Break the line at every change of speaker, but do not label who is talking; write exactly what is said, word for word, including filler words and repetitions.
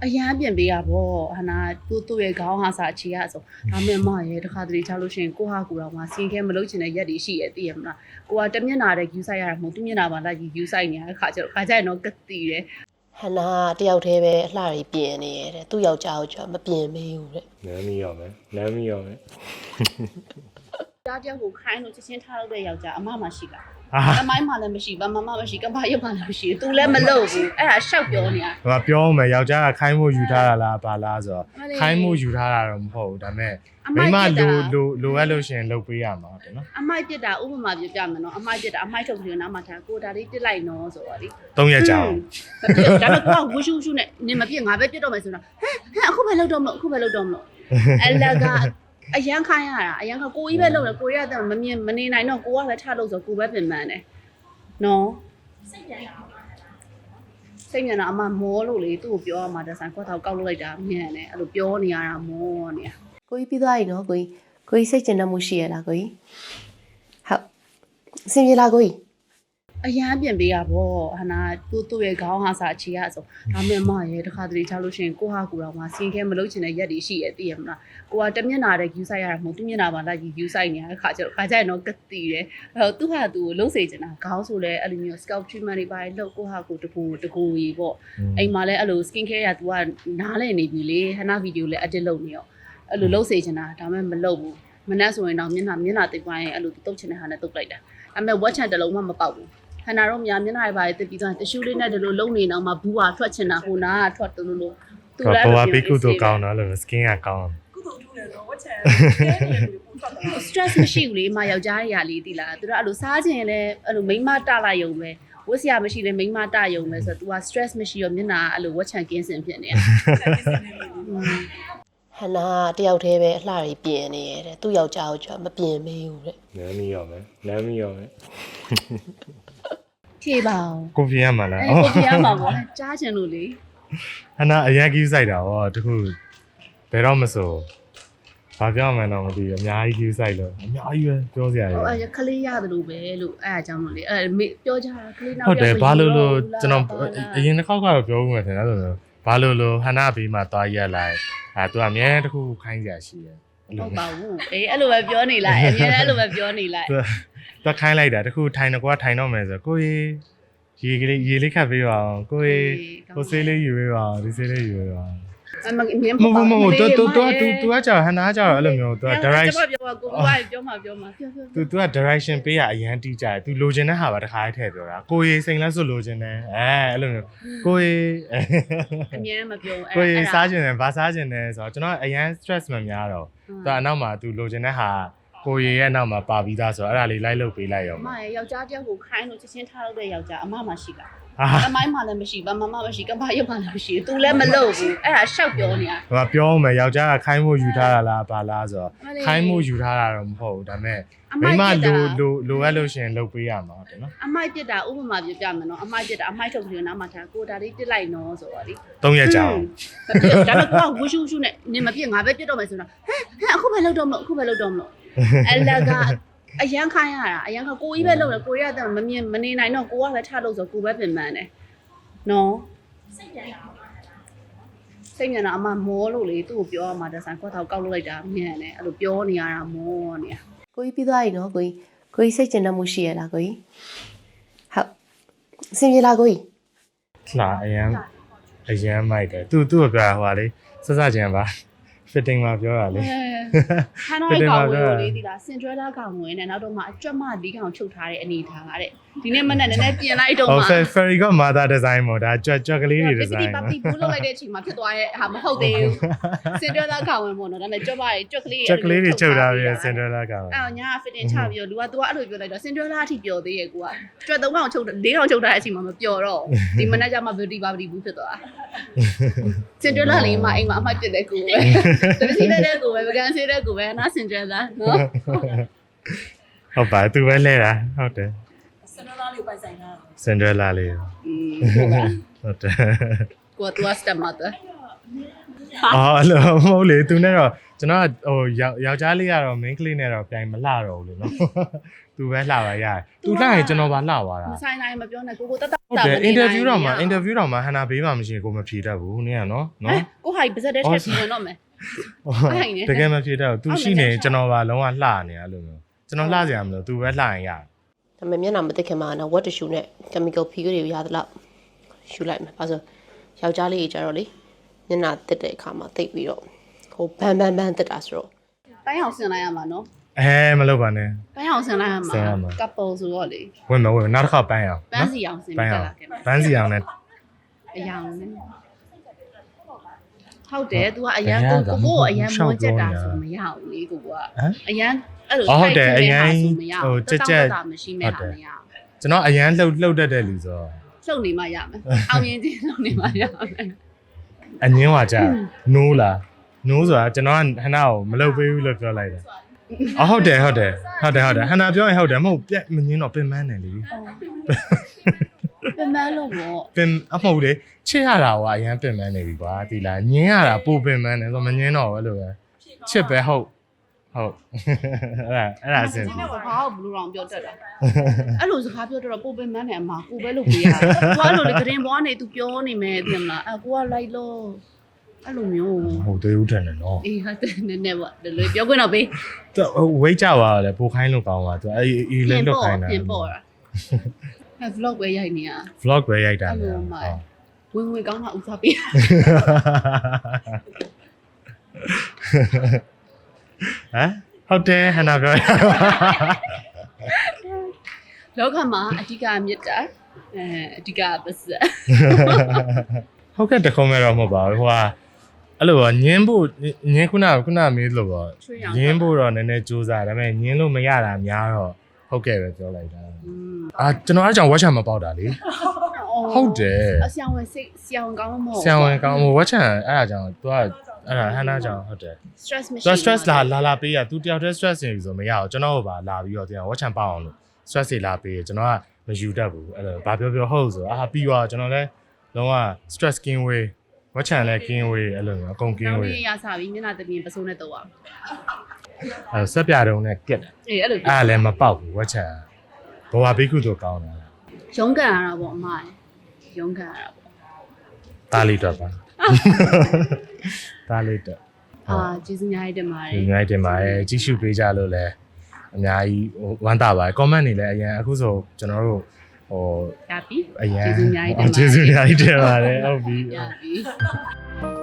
အရန်ပြင်ပေးရပေါ့ဟာနာသူ့သူ့ရဲ့ခေါင်းဟာစာအခြေရဆိုဒါမဲ့မရဲ့တခါတလေချလို့ရှိရင်ကိုဟာကူတော့မှစင်ခဲမလုပ်ချင်တဲ့ရက်တွေရှိရဲ့သိရမလားကိုကတမျက်နာတဲ့ view site ရတာမဟုတ်သူမျက်နာမှာလိုက် view site နေရတဲ့ခါကျတော့ခါကျရင်တော့ကတိတယ်ဟနာတယောက်တည်းပဲအလှတွေပြင်နေရတဲ့သူ့ယောက်ျားကိုကျမပြင်မေးဘူးတဲ့
နမ်းမီရောမယ်နမ်းမီရောမယ်
ကြားတယောက်ကိုခိုင်းလို့ချက်ချင်းထားလို့တဲ့ယောက်ျားအမမရှိလားအမိုင်းမှလည်းမရှိဘာမှမမရှိကမ္ဘာရုပ်မှလည်းမရှိသူလည်းမလုပ်ဘူးအဲ့ဒါရှောက်ပြောနေတာ
ဟိုပြောမယ်ယောက်ျားကခိုင်းမှုယူထားတာလားဘာလားဆိုတော့ခိုင်းမှုယူထားတာတော့မဟုတ်ဘူးဒါပေမဲ့မိမလိုလိုလိုအပ်လို့ရှင်လုပ်ပေးရမှာတဲ့နော်
အမိုက်ပြစ်တာဥပမာပြပြမယ်နော်အမိုက်ပြစ်တာအမိုက်ထုတ်ပြီးတော့နောက်မှထားကိုဒါလေးပြစ်လိုက်နော်ဆိုတော့လေ
သုံးရက်ကြာအောင်
မပြစ်ဒါပေမဲ့ကိုကဝှရှူရှူနဲ့နင်မပြစ်ငါပဲပြစ်တော့မယ်ဆိုတော့ဟဲ့ဟဲ့အခုပဲလုပ်တော့မလို့အခုပဲလုပ်တော့မလို့အလကအရန်ခိုင်းရတာအရန်ကကိုကြီးပဲလုပ်တယ်ကိုရတဲ့မမြင်မနေနိုင်တော့ကိုကပဲထားလို့ဆိုကိုပဲပြင်မှန်းတယ်နော်စိတ်ပြန်တာစိတ်ပြန်တာအမမောလို့လေသူ့ကိုပြောရမှာတဆန်ခွက်ထောက်ကောက်လို့လိုက်တာမြန်တယ်အဲ့လိုပြောနေရတာမောနေတာကိုကြီးပြီးသွားပြီနော်ကိုကြီးကိုကြီးစိတ်ကျဉ်တတ်မှုရှိရလားကိုကြီးဟုတ်အဆင်ပြေလားကိုကြီးအရန်ပြင်ပေးရပေါ့ဟာနာသူ့သူ့ရဲ့ခေါင်းဟာစာအခြေရဆိုဒါမဲ့မရဲ့တခါတလေချလို့ရှိရင်ကိုဟာကူတော့မှစင်ခဲမလုပ်ချင်တဲ့ရက်တွေရှိရဲ့သိရမလားကိုကတမျက်နာတဲ့ view site ရတာမဟုတ်သူမျက်နာမှာလိုက် view site နေရတဲ့ခါကျတော့ခါကျရင်တော့ကတိတယ်အဲ့သူ့ဟာသူ့ကိုလှုပ်စေချင်တာခေါင်းဆိုလဲအဲ့လိုမျိုး scalp treatment တွေပါလှုပ်ကိုဟာကူတကူတကူကြီးပေါ့အိမ်မှာလဲအဲ့လို skin care ရ तू ကနားလဲနေပြီလေဟနာဗီဒီယိုလဲ edit လုပ်နေရောအဲ့လိုလှုပ်စေချင်တာဒါမဲ့မလုပ်ဘူးမနှက်ဆိုရင်တော့မျက်နှာမျက်နှာတိတ်ပိုင်းအဲ့လိုတုတ်ချင်တဲ့ဟာနဲ့တုတ်လိုက်တာဒါမဲ့ watch channel တလုံးမှမပေါက်ဘူးခဏတော့များမျက်နှာတွေပါတက်ပြီးသွားတ िश ူးလေးနဲ့ဒီလိုလုံနေအောင်မှဘူးဟာထွက်ချင်တာဟိုနာကထွက်တူလို့
သူလည်းအဲ့လိုဘေးကုသိုလ်ကောင်းတော့လို့ skin ကကောင်း
ကုသိုလ်ထူးတယ်တော့ watch channel
stress မရှိဘူးလေမယောက်ျားတွေကလေးတိလားသူတို့အဲ့လိုစားခြင်းလဲအဲ့လိုမိန်းမတလာယုံပဲဝတ်စရာမရှိလဲမိန်းမတယုံပဲဆိုတော့ तू က stress မရှိရောမျက်နှာအဲ့လိုဝတ်ချန်ကင်းစင်ဖြစ်နေတာဟနာတယောက်တည်းပဲအလှတွေပြင်နေရတဲ့သူ့ယောက်ျားကိုကျမပြင်မေးဘူးတဲ့
နမ်းမီရောမယ်နမ်းမီရောမယ်
ဖြေပါအောင်
ကိုပြရမှာလား
အဲ့ကိုပြရမှာပေါ့ကြားချင်လို့လေ
ဟနာအရင်ကြီးစိုက်တာဟောတခုဘယ်တော့မဆိုဘာပြောမှန်းတော့မသိဘူးအများကြီးကြီးစိုက်လို့အများကြီးပဲပြောစရာကြီး
ဟိုအဲ့ခလေးရတယ်လို့ပဲလို့အဲ့အကြောင်းလို့လေအဲ့ပြောကြတာခလေးနောက်
ဟုတ်တယ်ဘာလို့လို့ကျွန်တော်အရင်တစ်ခေါက်ကတော့ပြောဦးမယ်ထင်တယ်ဆိုတော့ဘာလို့လို့ဟနာဘေးမှာသွားရက်လိုက်အဲသူကအများတခုခိုင်းစရာရှိတယ်
ဟုတ်ပါဘူးအေးအဲ့လိုပဲပြောနေလိုက်အများအဲ့လိုပဲပြောနေလိုက်
သူခိုင်းလိုက်တာတခုထိုင်တော့ကွာထိုင်တော့မယ်ဆိုကိုကြီးရေကလေးရေလေးခတ်ပေးပါအောင်ကိုကြီးကိုဆေးလေးယူပေးပါအောင်ဒီဆေးလေးယူပေးပါအောင်
အမမြင်
မမမမတူတူတူတူတူကကြာဟနာကြာအဲ့လိုမျိုးသူက
direction ပြောပါကိုကပြောမှာပြောမှာပြောပြော
သူသူက direction ပေးရအရန်တီးကြတယ်သူလိုချင်တဲ့ဟာပါတခါတည်းထည့်ပြောတာကိုကြီးစိန်လက်စွပ်လိုချင်တယ်အဲအဲ့လိုမျိုးကိုကြီး
အမြင်မပြော
အဲ့ကိုကြီးစားချင်တယ်ဘာစားချင်တယ်ဆိုတော့ကျွန်တော်အရန် stress မများတော့သူအနောက်မှာသူလိုချင်တဲ့ဟာကိုရီရဲ့နောက်မှာပါပြီးသားဆိုတော့အဲ့ဒါလေးလိုက်လုပ်ပေးလိုက်ရော
အမရဲ့ယောက်ျားတယောက်ကိုခိုင်းလို့ချက်ချင်းထားလို့တဲ့ယောက်ျားအမမရှိလားအမိုင်းမှလည်းမရှိဘာမှမမရှိကမ္ဘာရုပ်မှလည်းမရှိသူလည်းမလုပ်ဘူးအဲ့ဒါရှောက်ပြောနေတာ
ဟိုပြောမယ်ယောက်ျားကခိုင်းမှုယူထားတာလားဘာလားဆိုတော့ခိုင်းမှုယူထားတာတော့မဟုတ်ဘူးဒါပေမဲ့မိမလိုလိုလိုအပ်လို့ရှင်လုပ်ပေးရမှာတဲ့နော်
အမိုက်ပြစ်တာဥပမာပြပြမယ်နော်အမိုက်ပြစ်တာအမိုက်ထုတ်ပြီးတော့နောက်မှထားကိုဒါလေးပြစ်လိုက်နော်ဆိုတော့လေ
သုံးရက်ကြာအောင်
မပြစ်ဒါပေမဲ့ကိုကဝှရှူရှူနဲ့နင်မပြစ်ငါပဲပြစ်တော့မယ်ဆိုတော့ဟဲ့ဟဲ့အခုပဲလုပ်တော့မလို့အခုပဲလုပ်တော့မလို့အလကအရန်ခိုင်းရတာအရန်ကကိုကြီးပဲလုပ်တယ်ကိုရတဲ့မမြင်မနေနိုင်တော့ကိုကပဲထားလို့ဆိုကိုပဲပြင်မှန်းတယ်နော်စိတ်ပြန်တာစိတ်ပြန်တာအမမောလို့လေသူ့ကိုပြောရမှာတဆန်ခွက်ထောက်ကောက်လို့လိုက်တာမြန်တယ်အဲ့လိုပြောနေရတာမောနေတာကိုကြီးပြီးသွားပြီနော်ကိုကြီးကိုကြီးစိတ်ကျဉ်တတ်မှုရှိရလားကိုကြီးဟုတ်အဆင်ပြေလားကိုကြီး
လာအရန်အရန်မိုက်တယ်သူသူ့ကိုပြောဟိုလေစစချင်းပါ fitting မှာပြောတာလေ
ခါတော့ကောင်ဝင်လို့လေဒီလား Cinderella ကောင်ဝင်နဲ့နောက်တော့မှအကြွတ်မဒီကောင်ချုပ်ထားတဲ့အနေထားတဲ့ဒီနေ့မနေ့နည်းနည်းပြင်လိုက်တော့မှ
ဟုတ် Fairy က Mother Design မို့ဒါကြွတ်ကြွက်ကလေးတွေ design
ပပီဘူးလုပ်လိုက်တဲ့အချိန်မှာဖြစ်သွားရဲ့ဟာမဟုတ်သေးဘူး Cinderella ကောင်ဝင်ပေါ့နော်ဒါပေမဲ့ကြွတ်ပါကြွက်ကလေး
ကြွက်ကလေးတွေချုပ်ထားပြီး Cinderella ကောင်
အော်ညာ fitting ချပြီးတော့လူက तू ကအဲ့လိုပြောလိုက်တော့ Cinderella အထိပျော်သေးရဲ့ကိုကကြွက်သုံးကောင်ချုပ်လေးကောင်ချုပ်ထားတဲ့အချိန်မှာမပျော်တော့ဒီမနေ့ကျမှ beauty bar beauty ဘူးဖြစ်သွား Cinderella လေးမှအိမ်မှာအမှတ်ပြတဲ့ကိုပဲတပည့်တဲ့ကိုပဲဗကန်ဆေးတဲ့ကိုပဲနားစင်ကြလားနော်
ဟုတ်ပါသူပဲလဲတာဟုတ်တယ်
Cinderella လေးပိုင်ဆိုင်တာ
Cinderella လေး
อืมဟုတ်ပါ
ဟုတ်တယ်
ကိုက तू step mother
အော်အဲ့လိုမဟုတ်လေသူနဲ့တော့ကျွန်တော်ကဟိုယောက်ျားလေးကတော့ main ကလေးနဲ့တော့ပြိုင်မလှတော့ဘူးလေနော်သူပဲလှပါရတယ်သူလှရင်ကျွန်တော်ပါလှသွားတာ
မဆိုင်နိုင်မပြောနဲ့ကိုကိုတက်တက်
ဟုတ်တယ် interview တော့မှာ interview တော့မှာဟန်နာဘေးမှာမရှိရင်ကိုမဖြေတတ်ဘူးနင်းကနော်နော်
ကိုဟာပါဇက်တဲ့ထက်ပြီးတော့မယ်
တကယ်မဖြေတတ်ဘူးသူရှိနေကျွန်တော်ပါလုံးဝလှနေအဲ့လိုမျိုးကျွန်တော်လှစရာမလိုသူပဲလှရင်ရ
ဒါပေမဲ့မျက်နှာမသိခင်မှာနော် what tissue နဲ့ chemical peel တွေကိုရသလောက်ရှူလိုက်မှာ။ဘာလို့ယောက်ျားလေးကြီးကြတော့လေမျက်နှာတက်တဲ့အခါမှာတိတ်ပြီးတော့ဟိုဘန်ဘန်ဘန်တက်တာဆိုတော့
ပိုင်းအောင်ဆင်လိုက်ရမှာနော်
အဲမလုပ်ပါနဲ့
ပိုင်းအောင်ဆင်လိုက်ရမှာ couple ဆိုတော့လေ
ဝင်မဝင်နောက်တစ်ခါပန်းရအောင်
ပန်းစီအောင်ဆင်ပြလာခဲ့
ပန်းစီအောင်နဲ့
အယောင်နဲ့ဟုတ်တယ် तू ကအရန်ကိုကိုကိုအရန်မွေးချက်တာဆိုမရဘူးလေကိုကအရန်အဲ့လိုမရှိမဲ့ဟာမရ
ကျွန်တော်အရန်လှုပ်လှုပ်တတ်တဲ့လူဆို
လှုပ်နေမှရမယ်အောင်ရင်ချင်းလှုပ်နေမှရမယ်
အငင်းွာကြနိုးလားနိုးဆိုတာကျွန်တော်ကဟနာကိုမလုပ်ပေးဘူးလို့ပြောလိုက်တယ်အော်ဟုတ်တယ်ဟုတ်တယ်ဟုတ်တယ်ဟုတ်တယ်ဟနာပြောရင်ဟုတ်တယ်မဟုတ်ပြက်မငင်းတော့ပင်မန်းတယ်လေ
ပင်မလို့ပေါ့
ပင်အမဟုတ်လေချစ်ရတာကအရန်ပင်မန်းနေပြီကွာဒီလားငင်းရတာပိုပင်မန်းတယ်ဆိုမငင်းတော့ဘူးလို့ပဲချစ်ပဲဟုတ်ဟုတ်အဲ့ဒါအဲ့ဒါအဆင်ပြေ
ဘာကိုဘလူးရောင်ပြောတတ်တာအဲ့လိုစကားပြောတော့ပိုပင်မန်းတယ်အမကိုပဲလုပ်ပေးရတယ်ကိုအဲ့လိုလေဂရင်ဘွားနေ तू ပြောနေမယ်သိမလားအကိုကလိုက်လို့အဲ့လိုမျိုး
ဟုတ်သေးဦးထန်တယ်နော်
အေးဟုတ်တယ်နည်းနည်းပေါ့ဒီလိုပြောခွင့်တော့ပေး
သူဝိတ်ကြပါလေပိုခိုင်းလို့ကောင်းပါသူအေးအေးလေးလောက်ခိုင်းတာ
ပြင်ပေါ်တာအဲ vlog ပဲရိုက်နေရ
vlog ပဲရိုက်တာ
အဲ့
လေ
လိုမှဝင်ဝင်ကောင်းတာဥစားပေး
ဟမ်ဟုတ်တယ်ဟနာပြော
လောကမှာအဓိကမြတ်တာအဲအဓိကပစက်
ဟုတ်ကဲ့တခုံးမဲ့တော့မဟုတ်ပါဘူးဟိုကအဲ့လိုညင်းဖို့ညင်းခုနခုနမေးလို့ပေါ့ညင်းဖို့တော့နည်းနည်းစူးစမ်းဒါပေမဲ့ညင်းလို့မရတာများတော့ဟုတ်ကဲ့ပဲပြောလိုက်တာအာကျွန်တော်အားကြောင့်ဝက်ချံမပေါက်တာလေဟုတ်တယ်
အဆောင်ဝင်စိတ်ဆောင်းကောင်းမဟုတ်
ဆံဝင်ကောင်းဟိုဝက်ချံအဲ့ဒါကြောင့် तू ကအဲ့ဒါဟန်နာကြောင့်ဟုတ်တယ်
stress မရှိ
तू stress လာလာလာပေးရ तू တယောက်တည်း stress နေပြီဆိုမရအောင်ကျွန်တော်ကပါလာပြီးတော့တရားဝက်ချံပေါက်အောင်လို့ stress တွေလာပေးရကျွန်တော်ကမယူတတ်ဘူးအဲ့လိုဘာပြောပြောဟုတ်ဆိုအာပြီးတော့ကျွန်တော်လည်းလုံးဝ stress skin way ဝက်ချံလည်း skin way အဲ့လိုမျိုးအကုန် skin
ကောင်း
way
လေးရစားပြီးမျက်နှာတပြင်းပစိုးနဲ့တော့အောင်
အဲ့ဆက်ပြတုံးနဲ့ကက်တယ်
အေးအဲ့လို
အဲ့လည်းမပေါက်ဘူးဝက်ချံဘဝဘိကုတို့ကောင်းတာ
ရုံးကန်ရတာပေါ့အမရုံးကန်ရတာပေါ့
တားလေးတော့ပါတားလေးတော့
အာကျေးဇူးများတင်ပါတယ်
ဒီနေ့တင်ပါတယ်ကြည့်ရှုပေးကြလို့လည်းအများကြီးဟိုဝမ်းသာပါတယ် comment တွေလည်းအရင်အခုဆိုကျွန်တော်တို့ဟို
ရပြီ
အရင်
ကျေးဇူးများတင်ပါတယ်
ကျေးဇူးများတင်ပါတယ်ဟုတ်ပြီ
ရပြီ